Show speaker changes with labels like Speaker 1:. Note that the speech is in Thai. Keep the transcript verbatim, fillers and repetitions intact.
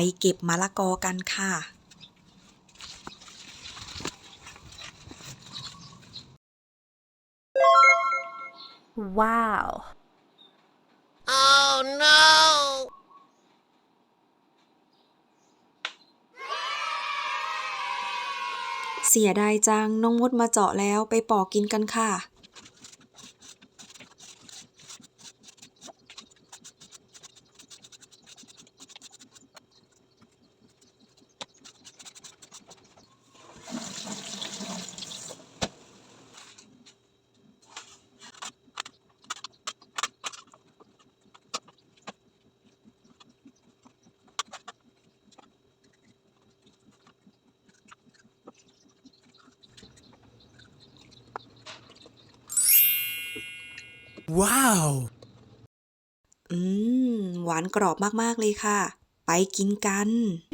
Speaker 1: เก็บมะละกอกันค่ะ
Speaker 2: Wow.
Speaker 3: Oh no!
Speaker 1: เสียดายจังน้องมดมาเจาะแล้วไปปอกกินกันค่ะ
Speaker 4: Wow!
Speaker 1: อืมหวานกรอบมากๆเลยค่ะ ไปกินกัน